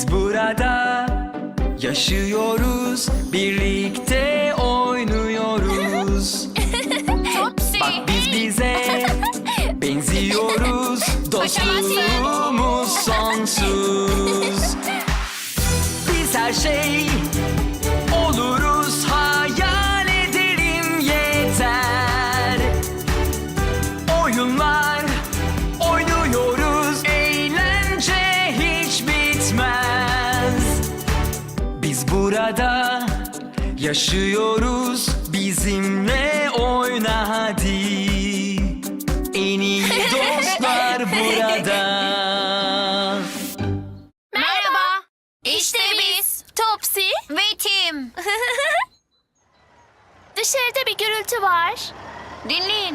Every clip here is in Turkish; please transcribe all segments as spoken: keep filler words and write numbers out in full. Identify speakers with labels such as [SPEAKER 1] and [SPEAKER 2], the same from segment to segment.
[SPEAKER 1] Biz burada yaşıyoruz, birlikte oynuyoruz.
[SPEAKER 2] Topsy.
[SPEAKER 1] Bak biz bize benziyoruz, dostluğumuz sonsuz. Biz her şey oluruz, hayal edelim yeter. Oyunlar oynuyoruz, eğlence hiç bitmez. Biz burada yaşıyoruz, bizimle oyna hadi. En iyi dostlar burada.
[SPEAKER 2] Merhaba. İşte biz. Topsy ve Tim. Dışarıda bir gürültü var. Dinleyin.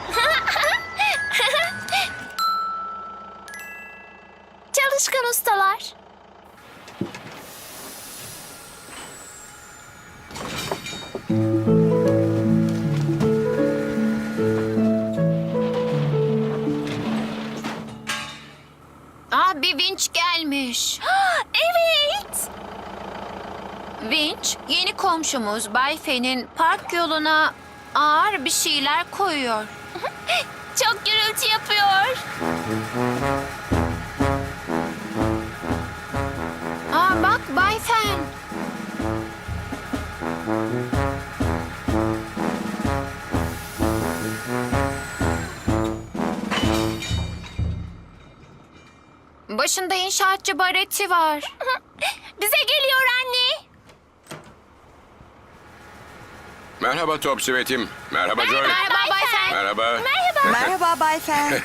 [SPEAKER 2] Çalışkan ustalar. Aa, bir vinç gelmiş. Evet. Vinç, yeni komşumuz Bay Fen'in park yoluna ağır bir şeyler koyuyor. Çok gürültü yapıyor. Aa, bak Bay Fen. Başında inşaatçı bareti var. Bize geliyor anne.
[SPEAKER 3] Merhaba Topsy ve Tim. Merhaba Joy.
[SPEAKER 2] Merhaba Bay Fen.
[SPEAKER 3] Merhaba.
[SPEAKER 4] Merhaba Bay Fen.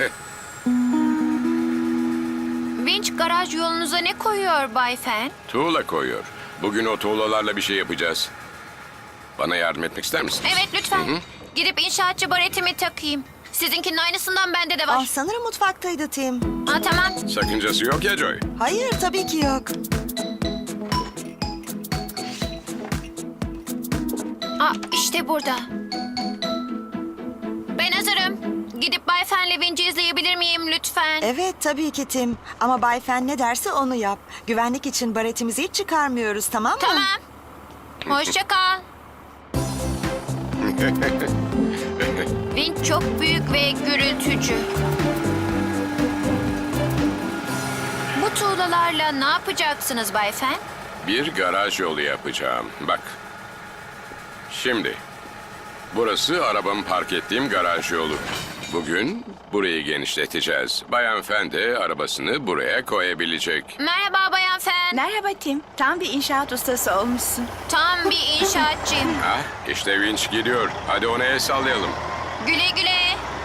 [SPEAKER 2] Vinç garaj yolunuza ne koyuyor Bay Fen?
[SPEAKER 3] Tuğla koyuyor. Bugün o tuğlalarla bir şey yapacağız. Bana yardım etmek ister misiniz?
[SPEAKER 2] Evet lütfen. Gidip inşaatçı baretimi takayım. Sizinkinin aynısından bende de var.
[SPEAKER 4] Ah, sanırım mutfaktaydı Tim.
[SPEAKER 2] Ha, tamam.
[SPEAKER 3] Sakıncası yok ya Joy.
[SPEAKER 4] Hayır, tabii ki yok.
[SPEAKER 2] Aa, işte burada. Ben hazırım. Gidip Bay Fen'le Vinç'i izleyebilir miyim lütfen?
[SPEAKER 4] Evet, tabii ki Tim. Ama Bay Fen ne derse onu yap. Güvenlik için baretimizi hiç çıkarmıyoruz, tamam mı?
[SPEAKER 2] Tamam. Hoşça kal. Vinç çok büyük ve gürültücü. Bu tuğlalarla ne yapacaksınız Bay Fen?
[SPEAKER 3] Bir garaj yolu yapacağım. Bak. Şimdi. Burası arabamı park ettiğim garaj yolu. Bugün burayı genişleteceğiz. Bayan Fen de arabasını buraya koyabilecek.
[SPEAKER 2] Merhaba Bayan Fen.
[SPEAKER 5] Merhaba Tim. Tam bir inşaat ustası olmuşsun.
[SPEAKER 2] Tam bir inşaatçıyım.
[SPEAKER 3] Ah, işte vinç gidiyor. Hadi ona el sallayalım.
[SPEAKER 2] Güle güle.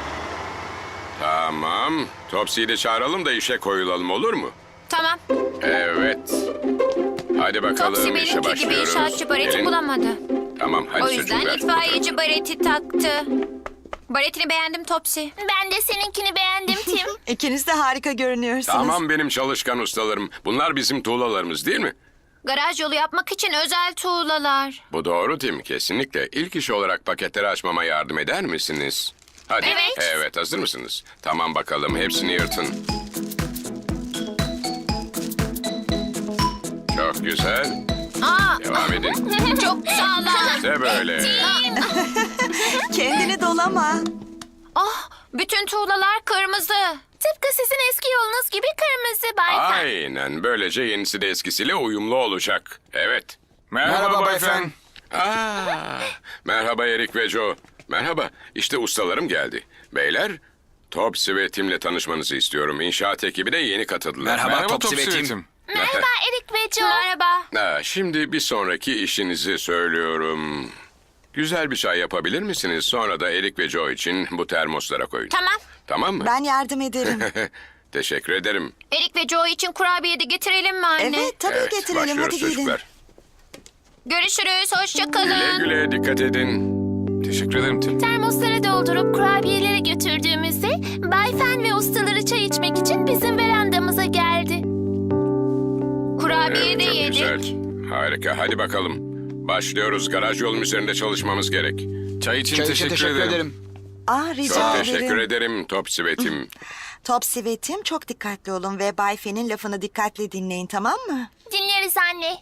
[SPEAKER 3] Tamam. Topsy'yi de çağıralım da işe koyulalım, olur mu?
[SPEAKER 2] Tamam.
[SPEAKER 3] Evet. Hadi bakalım,
[SPEAKER 2] Topsy
[SPEAKER 3] işe
[SPEAKER 2] benimki gibi
[SPEAKER 3] başlıyoruz.
[SPEAKER 2] inşaatçı bareti
[SPEAKER 3] Gelin.
[SPEAKER 2] bulamadı.
[SPEAKER 3] Tamam, hadi
[SPEAKER 2] O yüzden
[SPEAKER 3] çocuklar.
[SPEAKER 2] itfaiyeci bareti taktı. Baretini beğendim Topsy. Ben de seninkini beğendim Tim.
[SPEAKER 4] İkiniz de harika görünüyorsunuz.
[SPEAKER 3] Tamam benim çalışkan ustalarım. Bunlar bizim tuğlalarımız değil mi?
[SPEAKER 2] Garaj yolu yapmak için özel tuğlalar.
[SPEAKER 3] Bu doğru Tim, kesinlikle. İlk iş olarak paketleri açmama yardım eder misiniz? Hadi.
[SPEAKER 2] Evet.
[SPEAKER 3] Evet, hazır mısınız? Tamam bakalım, hepsini yırtın. Çok güzel.
[SPEAKER 2] Aa,
[SPEAKER 3] Devam edin.
[SPEAKER 2] çok sağlam.
[SPEAKER 3] İşte böyle.
[SPEAKER 4] Kendini dolama.
[SPEAKER 2] Ah, bütün tuğlalar kırmızı. Tıpkı sizin eski yolunuz gibi kırmızı Bay Fen.
[SPEAKER 3] Aynen, böylece yenisi de eskisiyle uyumlu olacak. Evet.
[SPEAKER 6] Merhaba Bay Fen.
[SPEAKER 3] Aa, merhaba Erik ve Joe. Merhaba, işte ustalarım geldi. Beyler, Topsy ve Tim'le tanışmanızı istiyorum. İnşaat ekibi de yeni katıldılar.
[SPEAKER 6] Merhaba,
[SPEAKER 3] Merhaba
[SPEAKER 6] Topsy ve
[SPEAKER 3] Topsy.
[SPEAKER 6] Tim.
[SPEAKER 2] Merhaba Erik ve Joe. Merhaba.
[SPEAKER 3] Ha, şimdi bir sonraki işinizi söylüyorum. Güzel bir çay yapabilir misiniz? Sonra da Erik ve Joe için bu termoslara koyun.
[SPEAKER 2] Tamam.
[SPEAKER 3] Tamam mı?
[SPEAKER 4] Ben yardım ederim.
[SPEAKER 3] Teşekkür ederim.
[SPEAKER 2] Erik ve Joe için kurabiye de getirelim mi anne?
[SPEAKER 4] Evet, tabii
[SPEAKER 3] Evet,
[SPEAKER 4] getirelim.
[SPEAKER 3] başlıyoruz
[SPEAKER 4] Hadi gidin.
[SPEAKER 3] çocuklar.
[SPEAKER 2] Görüşürüz. Hoşça kalın.
[SPEAKER 3] Güle güle, dikkat edin.
[SPEAKER 6] Teşekkür ederim Tim.
[SPEAKER 2] Termosları doldurup kurabiyeleri götürdüğümüzde Bay Fen ve ustaları çay içmek için bizim verandamıza geldi. Kurabiye
[SPEAKER 3] Evet,
[SPEAKER 2] de
[SPEAKER 3] çok
[SPEAKER 2] yedik.
[SPEAKER 3] güzel. Harika, hadi bakalım. Başlıyoruz. Garaj yolun üzerinde çalışmamız gerek.
[SPEAKER 6] Çay için
[SPEAKER 7] Çay için
[SPEAKER 6] teşekkür,
[SPEAKER 7] teşekkür
[SPEAKER 6] ederim.
[SPEAKER 7] ederim.
[SPEAKER 4] Ah rica
[SPEAKER 3] Çok
[SPEAKER 4] ederim.
[SPEAKER 3] teşekkür ederim Topsy ve Tim.
[SPEAKER 4] Topsy ve Tim çok dikkatli olun ve Bay Fen'in lafını dikkatle dinleyin, tamam mı?
[SPEAKER 2] Dinleriz anne.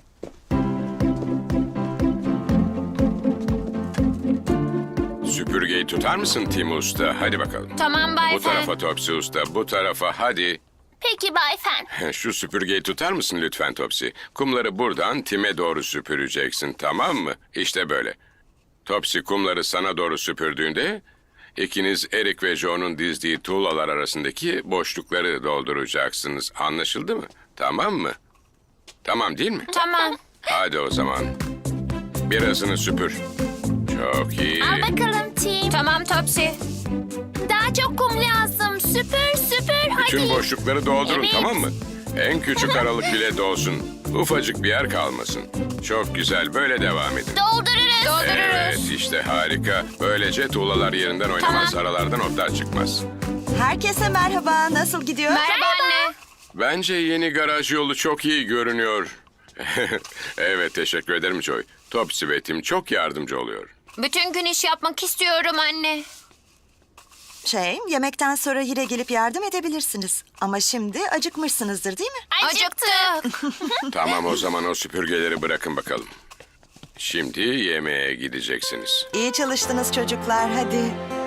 [SPEAKER 3] Süpürgeyi tutar mısın Tim Usta? Hadi bakalım.
[SPEAKER 2] Tamam Bay
[SPEAKER 3] Bu
[SPEAKER 2] Fen.
[SPEAKER 3] tarafa Topsy Usta, bu tarafa hadi.
[SPEAKER 2] Peki Bay Fen.
[SPEAKER 3] Şu süpürgeyi tutar mısın lütfen Topsy? Kumları buradan Tim'e doğru süpüreceksin, tamam mı? İşte böyle. Topsy kumları sana doğru süpürdüğünde ikiniz Eric ve Joe'nun dizdiği tuğlalar arasındaki boşlukları dolduracaksınız. Anlaşıldı mı? Tamam mı? Tamam değil mi?
[SPEAKER 2] Tamam.
[SPEAKER 3] Hadi o zaman. Birazını süpür. Çok iyi.
[SPEAKER 2] Al bakalım Tim. Tamam Topsy. Daha çok kum lazım. Süpür süpür hadi.
[SPEAKER 3] Tüm boşlukları doldurun,
[SPEAKER 2] Evet.
[SPEAKER 3] tamam mı? En küçük aralık bile dolsun. Ufacık bir yer kalmasın. Çok güzel, böyle devam edin.
[SPEAKER 2] Doldururuz. Doldururuz.
[SPEAKER 3] Evet, işte harika. Böylece tuğlalar yerinden oynamaz,
[SPEAKER 2] Tamam.
[SPEAKER 3] aralardan otlar çıkmaz.
[SPEAKER 4] Herkese merhaba, nasıl gidiyor?
[SPEAKER 2] Merhaba anne.
[SPEAKER 3] Bence yeni garaj yolu çok iyi görünüyor. Evet, teşekkür ederim Joy. Topsy ve Tim çok yardımcı oluyor.
[SPEAKER 2] Bütün gün iş yapmak istiyorum anne.
[SPEAKER 4] Şey, yemekten sonra yine gelip yardım edebilirsiniz. Ama şimdi acıkmışsınızdır değil mi?
[SPEAKER 2] Acıktık.
[SPEAKER 3] Tamam, o zaman o süpürgeleri bırakın bakalım. Şimdi yemeğe gideceksiniz.
[SPEAKER 4] İyi çalıştınız çocuklar, hadi.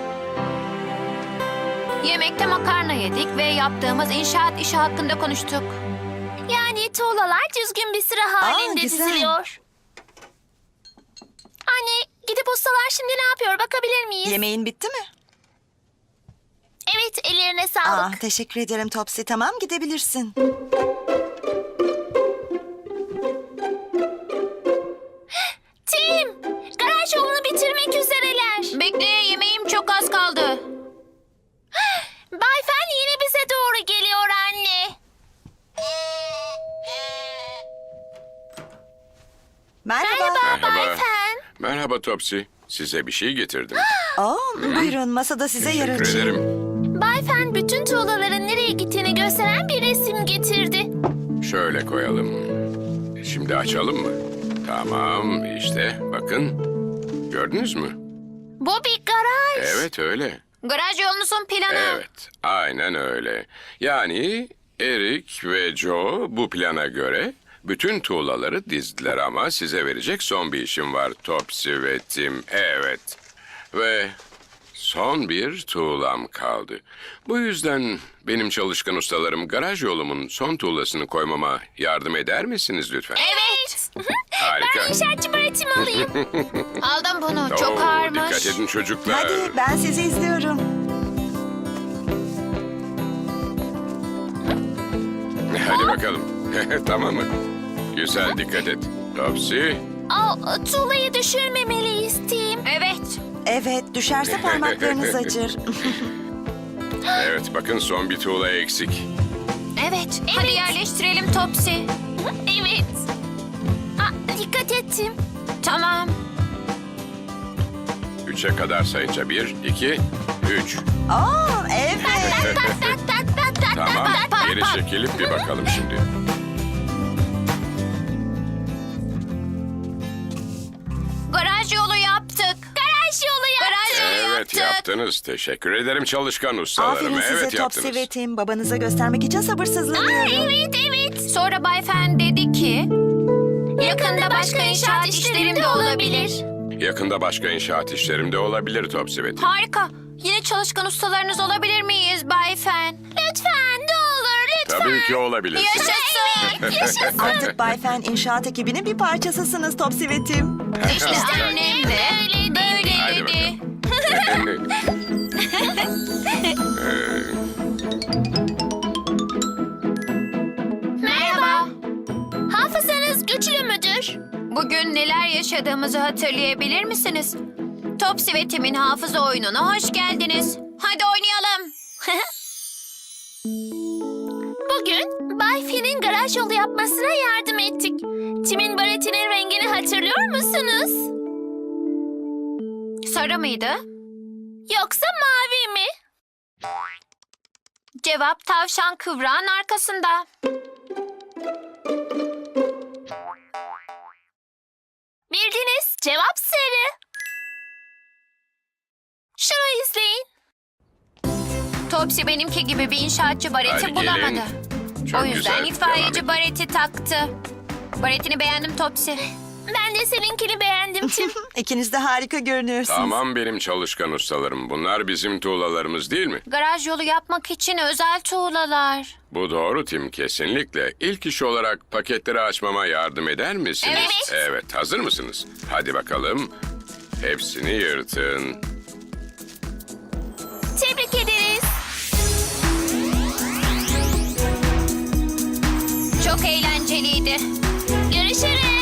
[SPEAKER 2] Yemekte makarna yedik ve yaptığımız inşaat işi hakkında konuştuk. Yani tuğlalar düzgün bir sıra halinde
[SPEAKER 4] güzel.
[SPEAKER 2] diziliyor. Anne, gidip ustalar şimdi ne yapıyor bakabilir miyiz?
[SPEAKER 4] Yemeğin bitti mi?
[SPEAKER 2] Evet, ellerine
[SPEAKER 4] Aa,
[SPEAKER 2] sağlık.
[SPEAKER 4] teşekkür ederim Topsy, tamam gidebilirsin.
[SPEAKER 2] Tim, garaj yolunu bitirmek üzereler. Bekle, yemeğim çok az kaldı. Bay Fen yine bize doğru geliyor anne.
[SPEAKER 4] Merhaba.
[SPEAKER 2] Merhaba Bay
[SPEAKER 3] Merhaba.
[SPEAKER 2] Fen.
[SPEAKER 3] Merhaba Topsy. Size bir şey getirdim.
[SPEAKER 4] Oo, buyurun masada size yer
[SPEAKER 3] Teşekkür
[SPEAKER 4] açayım.
[SPEAKER 3] ederim.
[SPEAKER 2] Bay Fen bütün tuğlaların nereye gittiğini gösteren bir resim getirdi.
[SPEAKER 3] Şöyle koyalım. Şimdi açalım mı? Tamam, işte bakın. Gördünüz mü?
[SPEAKER 2] Bu bir garaj.
[SPEAKER 3] Evet, öyle.
[SPEAKER 2] Garaj yolunuzun planı.
[SPEAKER 3] Evet, aynen öyle. Yani Eric ve Joe bu plana göre bütün tuğlaları dizdiler ama size verecek son bir işim var Topsy ve Tim. Evet. Ve son bir tuğlam kaldı. Bu yüzden benim çalışkan ustalarım garaj yolumun son tuğlasını koymama yardım eder misiniz lütfen?
[SPEAKER 2] Evet.
[SPEAKER 3] Harika.
[SPEAKER 2] İnşaatçı öğretim alayım. Aldım bunu. Çok
[SPEAKER 3] Oo,
[SPEAKER 2] ağırmış.
[SPEAKER 3] Dikkat edin çocuklar.
[SPEAKER 4] Hadi ben sizi izliyorum.
[SPEAKER 3] Hadi bakalım. Tamam mı? Güzel, dikkat et. Topsy.
[SPEAKER 2] Aa, tuğlayı düşürmemeliyiz Tim. Evet.
[SPEAKER 4] Evet, düşerse parmaklarınız acır.
[SPEAKER 3] Evet, bakın son bir tuğla eksik.
[SPEAKER 2] Evet. Hadi yerleştirelim Topsy. Evet. Aa, dikkat ettim. Tamam.
[SPEAKER 3] Üçe kadar sayınca bir, iki, üç.
[SPEAKER 4] Oo, evet.
[SPEAKER 2] Tak tak tak tak
[SPEAKER 3] Tamam,
[SPEAKER 2] tak tak
[SPEAKER 3] geri
[SPEAKER 2] tak.
[SPEAKER 3] çekilip bir bakalım şimdi.
[SPEAKER 2] Garaj yolu yaptık. Garaj yolu yaptık. Garaj yolu
[SPEAKER 3] Evet,
[SPEAKER 2] yaptık.
[SPEAKER 3] yaptınız. Teşekkür ederim çalışkan ustalarım.
[SPEAKER 4] Aferin size
[SPEAKER 3] Evet,
[SPEAKER 4] Topsy
[SPEAKER 3] yaptınız.
[SPEAKER 4] ve Tim. Babanıza göstermek için
[SPEAKER 2] Aa,
[SPEAKER 4] sabırsızlanıyorum.
[SPEAKER 2] evet evet. Sonra Bay Fen dedi ki... Yakında başka inşaat işlerim de olabilir.
[SPEAKER 3] Yakında başka inşaat işlerim de olabilir Topsy ve Tim.
[SPEAKER 2] Harika. Yine çalışkan ustalarınız olabilir miyiz Bay Fen? Lütfen ne olur lütfen.
[SPEAKER 3] Tabii ki olabilirsiniz.
[SPEAKER 2] Yaşasın. Yaşasın.
[SPEAKER 4] Artık Bay Fen inşaat ekibinin bir parçasısınız Topsy ve Tim.
[SPEAKER 2] İşte annem de böyle
[SPEAKER 3] Hadi
[SPEAKER 2] dedi. Merhaba. Hafızanız güçlü müdür? Bugün neler yaşadığımızı hatırlayabilir misiniz? Topsy ve Tim'in hafıza oyununa hoş geldiniz. Hadi oynayalım. Bugün Bay Finn'in garaj yolu yapmasına yardım ettik. Tim'in baretinin rengini hatırlıyor musunuz? Sarı mıydı? Yoksa mavi mi? Cevap tavşan kıvrağın arkasında. Bildiniz. Cevap sarı. Şunu izleyin. Topsy benimki gibi bir inşaatçı bareti
[SPEAKER 3] Hadi gelin.
[SPEAKER 2] bulamadı.
[SPEAKER 3] Çok
[SPEAKER 2] o yüzden
[SPEAKER 3] güzel, devam
[SPEAKER 2] itfaiyeci
[SPEAKER 3] edin.
[SPEAKER 2] bareti taktı. Baretini beğendim Topsy. Ben de seninkini beğendim Tim.
[SPEAKER 4] İkiniz de harika görünüyorsunuz.
[SPEAKER 3] Tamam benim çalışkan ustalarım. Bunlar bizim tuğlalarımız değil mi?
[SPEAKER 2] Garaj yolu yapmak için özel tuğlalar.
[SPEAKER 3] Bu doğru Tim, kesinlikle. İlk iş olarak paketleri açmama yardım eder misiniz?
[SPEAKER 2] Evet.
[SPEAKER 3] Evet, hazır mısınız? Hadi bakalım. Hepsini yırtın.
[SPEAKER 2] Tebrik ederiz. Çok eğlenceliydi. Görüşürüz.